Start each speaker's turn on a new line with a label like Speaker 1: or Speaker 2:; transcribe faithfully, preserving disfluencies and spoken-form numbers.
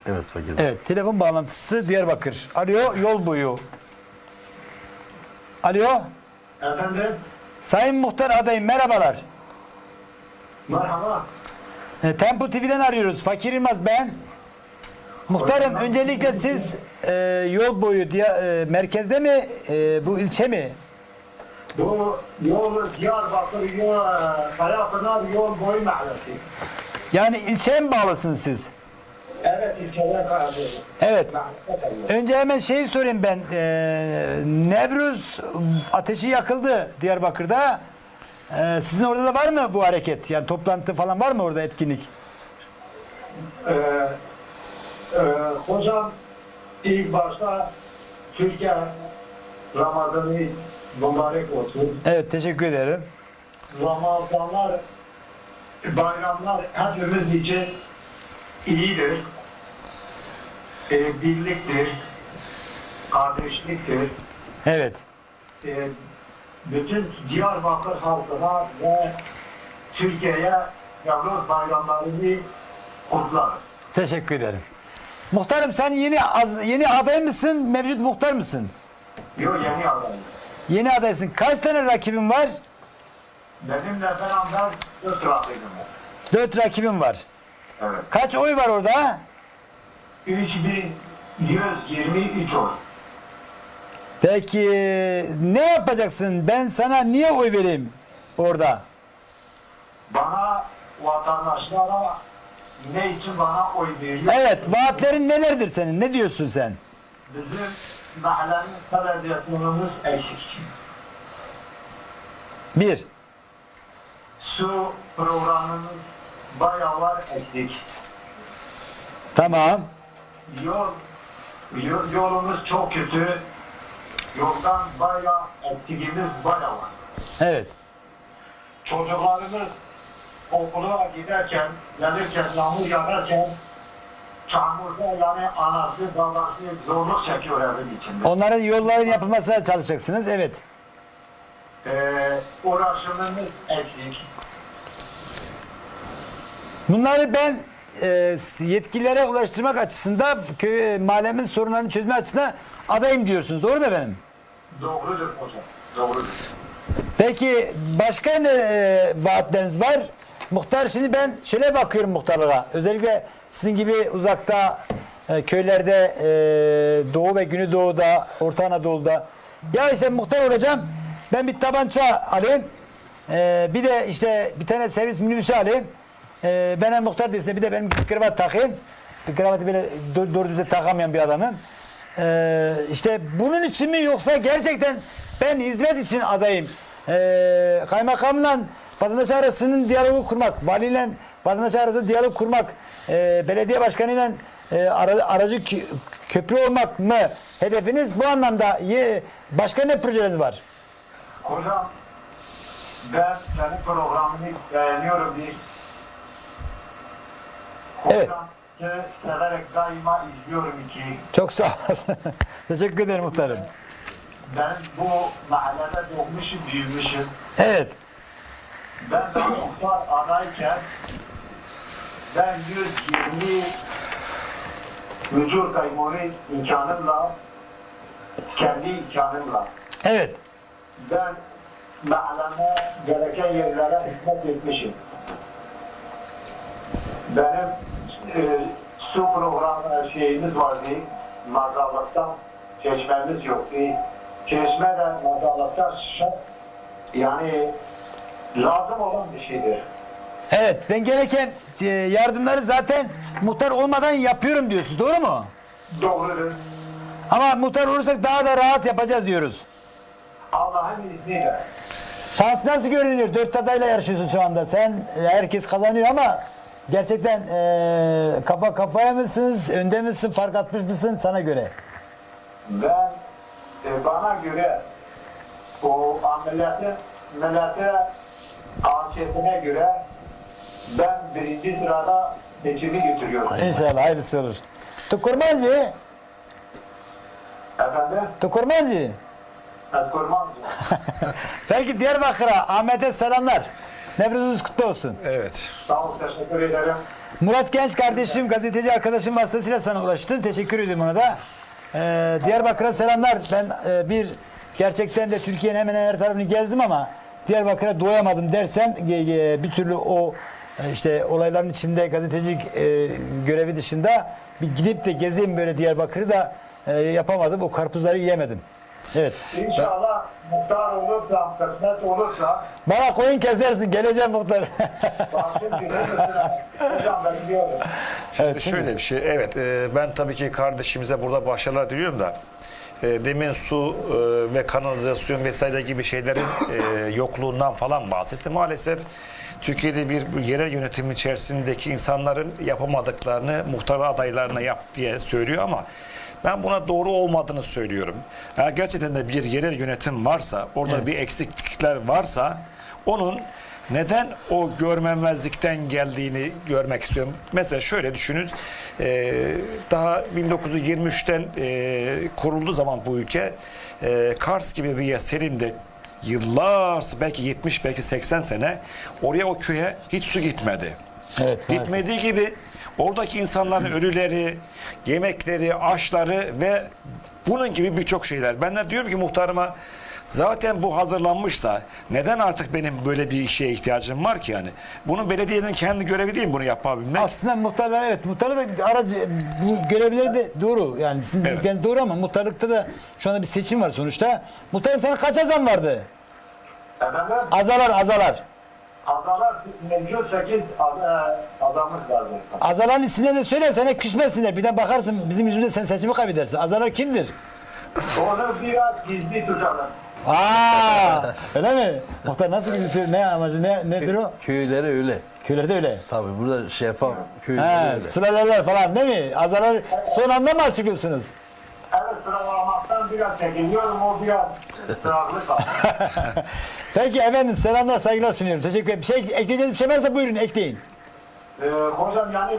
Speaker 1: Evet fakir.
Speaker 2: Evet, telefon bağlantısı Diyarbakır. Alo, yol boyu. Alo,
Speaker 3: Efendim,
Speaker 2: Sayın Muhtar adayım, merhabalar.
Speaker 3: merhaba.
Speaker 2: E, Tempo T V'den arıyoruz. Fakir Yılmaz ben. Muhtarım, öncelikle siz e, yol boyu diye, e, merkezde mi, e, bu ilçe mi?
Speaker 3: Bu yol Diyarbakır yol, Kayapınar yol boyu mahallesi.
Speaker 2: Yani ilçeye mi bağlısınız siz?
Speaker 3: Evet, ilçeden kayapınar.
Speaker 2: Evet.
Speaker 3: Mahallesi.
Speaker 2: Önce hemen şeyi sorayım ben. E, Nevruz ateşi yakıldı Diyarbakır'da. E, sizin orada da var mı bu hareket? Yani toplantı falan var mı orada, etkinlik?
Speaker 3: Ee, e, hocam, ilk başta Türkiye Ramazan'ı mübarek olsun.
Speaker 2: Evet, teşekkür ederim.
Speaker 3: Ramazanlar, bayramlar hepimiz için iyidir. Ee, birliktir, kardeşliktir.
Speaker 2: Evet.
Speaker 3: Ee, bütün Diyarbakır halkına ve Türkiye'ye Nevruz bayramlarını kutlar.
Speaker 2: Teşekkür ederim. Muhtarım, sen yeni az, yeni aday mısın, mevcut muhtar mısın?
Speaker 3: Yo, yeni adayım.
Speaker 2: Yeni adaysın. Kaç tane rakibin var?
Speaker 3: Benimle beraber dört rakibim var.
Speaker 2: Dört rakibin var.
Speaker 3: Evet.
Speaker 2: Kaç oy var orada?
Speaker 3: üç bin yüz yirmi üç oy.
Speaker 2: Peki ne yapacaksın? Ben sana niye oy vereyim orada?
Speaker 3: Bana, vatandaşlara ne için bana oy veriyor?
Speaker 2: Evet, vaatlerin nelerdir senin? Ne diyorsun sen?
Speaker 3: Bizim mahallenin televizyonumuz eksik.
Speaker 2: Bir.
Speaker 3: Su programımız bayağı var eksik.
Speaker 2: Tamam.
Speaker 3: Yol, yol yolumuz çok kötü. Yoldan bayağı eksikimiz bayağı var.
Speaker 2: Evet.
Speaker 3: Çocuklarımız okula giderken, gelirken, yağmur yağarken çamurda yani anası, babası zorluk çekiyor evin içinde.
Speaker 2: Onların yolların yapılmasına çalışacaksınız. Evet.
Speaker 3: Ee, uğraşımımız eksik.
Speaker 2: Bunları ben e, yetkililere ulaştırmak açısından, köy, mahallemin sorunlarını çözme açısından adayım diyorsunuz. Doğru mu efendim?
Speaker 3: Doğrudur hocam, doğrudur.
Speaker 2: Peki başka ne e, vaatleriniz var? Muhtar, şimdi ben şöyle bakıyorum muhtarlara. Özellikle sizin gibi uzakta e, köylerde, e, Doğu ve Güneydoğu'da, Orta Anadolu'da. Ya işte muhtar olacağım. Ben bir tabanca alayım. E, bir de işte bir tane servis minibüsü alayım. E, ben hem muhtar değilse bir de benim bir kravat takayım. Bir kravatı böyle doğru, doğru düzgün takamayan bir adamım. E, işte bunun için mi, yoksa gerçekten ben hizmet için adayım? E, kaymakamla vatandaş arasının diyalogu kurmak, valiyle vatandaş arasında diyalog kurmak, e, belediye başkanıyla e, ara, aracı kö- köprü olmak mı hedefiniz? Bu anlamda ye, başka ne projeleriniz var?
Speaker 3: Hocam, ben senin programını beğeniyorum bir.
Speaker 2: Evet.
Speaker 3: Hocam, ki severek daima izliyorum ki.
Speaker 2: Çok sağ olasın. Teşekkür ederim muhtarım.
Speaker 3: Ben bu mahallede doğmuşum, büyümüşüm.
Speaker 2: Evet.
Speaker 3: Ben de muhtar adayken ben yüz yirmi mücur kaymonu imkanımla, kendi imkanımla
Speaker 2: Evet.
Speaker 3: ben mahalleme gereken yerlere hizmet etmişim. Benim e, su programı şeyimiz vardı, mazallıktan çeşmemiz yoktu. Çeşme de mazallıktan şart, yani lazım olan bir şeydir.
Speaker 2: Evet. Ben gereken e, yardımları zaten muhtar olmadan yapıyorum diyorsunuz. Doğru mu?
Speaker 3: Doğrudur.
Speaker 2: Ama muhtar olursak daha da rahat yapacağız diyoruz.
Speaker 3: Allah'ın izniyle.
Speaker 2: Şans nasıl görünüyor? Dört adayla yarışıyorsun şu anda. Sen, e, herkes kazanıyor ama gerçekten e, kafa kafaya mısınız? Önde misin? Fark atmış mısın sana göre?
Speaker 3: Ben e, bana göre o ameliyatı millete anketine göre ben birinci sırada seçimi götürüyorum.
Speaker 2: İnşallah hayırlısı olur. Tukurmancı,
Speaker 3: Efendim?
Speaker 2: Tukurmancı.
Speaker 3: Eskormancı.
Speaker 2: Peki Diyarbakır'a, Ahmet'e selamlar. Nevruzunuz kutlu olsun.
Speaker 1: Evet.
Speaker 3: Sağ ol, teşekkür ederim.
Speaker 2: Murat Genç kardeşim, gazeteci arkadaşım vasıtasıyla sana ulaştım. Teşekkür ediyorum ona da. Ee, Diyarbakır'a selamlar. Ben e, bir gerçekten de Türkiye'nin hemen her tarafını gezdim ama Diyarbakır'a doyamadım dersem e, e, bir türlü o e, işte olayların içinde gazetecilik e, görevi dışında bir gidip de gezeyim böyle Diyarbakır'ı da e, yapamadım. O karpuzları yiyemedim. Evet.
Speaker 3: İnşallah muhtar olursa, kısmet olursa
Speaker 2: Bana koyun kesersin. Geleceğim muhtar.
Speaker 3: bahçe gibi mesela hocam ben diyorum.
Speaker 1: Şimdi
Speaker 2: Evet,
Speaker 1: şöyle bir şey. Evet, e, ben tabii ki kardeşimize burada başarılar diliyorum da e, demin su e, ve kanalizasyon vesaire gibi şeylerin e, yokluğundan falan bahsetti. Maalesef Türkiye'de bir yerel yönetim içerisindeki insanların yapamadıklarını muhtar adaylarına yap diye söylüyor ama ben buna doğru olmadığını söylüyorum. Eğer gerçekten de bir yerel yönetim varsa, orada
Speaker 2: Evet.
Speaker 1: bir eksiklikler varsa onun neden o görmemezlikten geldiğini görmek istiyorum. Mesela şöyle düşünün, e, daha bin dokuz yüz yirmi üçten e, kurulduğu zaman bu ülke, e, Kars gibi bir yer Selim'de yıllar, belki yetmiş, belki seksen sene oraya, o köye hiç su gitmedi.
Speaker 2: Evet, maalesef.
Speaker 1: Gitmediği gibi oradaki insanların ölüleri, yemekleri, aşları ve bunun gibi birçok şeyler. Ben de diyorum ki muhtarıma, zaten bu hazırlanmışsa neden artık benim böyle bir işe ihtiyacım var ki yani? Bunun belediyenin kendi görevi değil mi bunu yapabilmek?
Speaker 2: Aslında muhtarlar, evet, muhtarlık da aracı, bu görevleri de doğru, yani sizin
Speaker 1: Evet.
Speaker 2: dedikleriniz doğru ama muhtarlıkta da şu anda bir seçim var sonuçta. Muhtarım, sana kaç azam vardı?
Speaker 3: Efendim
Speaker 2: Azalar azalar.
Speaker 3: adalar mevcut sekiz adamız var.
Speaker 2: Azaların isimlerini de söyle, sana küsmesinler. Bir de bakarsın bizim yüzümüzde sen seçimi kaybedersin. Azalar kimdir?
Speaker 3: Onu biraz gizli tutalım.
Speaker 2: Aa, öyle mi? Muhtar nasıl gidiyor? Ne amacı? Ne nedir o?
Speaker 4: Köyleri öyle.
Speaker 2: Köylerde öyle.
Speaker 4: Tabii burada şeffaf köyleri
Speaker 2: He,
Speaker 4: öyle.
Speaker 2: sülaleler falan değil mi? Azalar son anda mı açıklıyorsunuz?
Speaker 3: Evet, sıralamaktan biraz çekiniyorum, o biraz ısrarlı kaldı.
Speaker 2: Peki efendim, selamlar, saygılar sunuyorum. Teşekkür ederim. Bir şey ekleyeceğiniz bir şey varsa buyurun ekleyin.
Speaker 3: Ee, hocam yani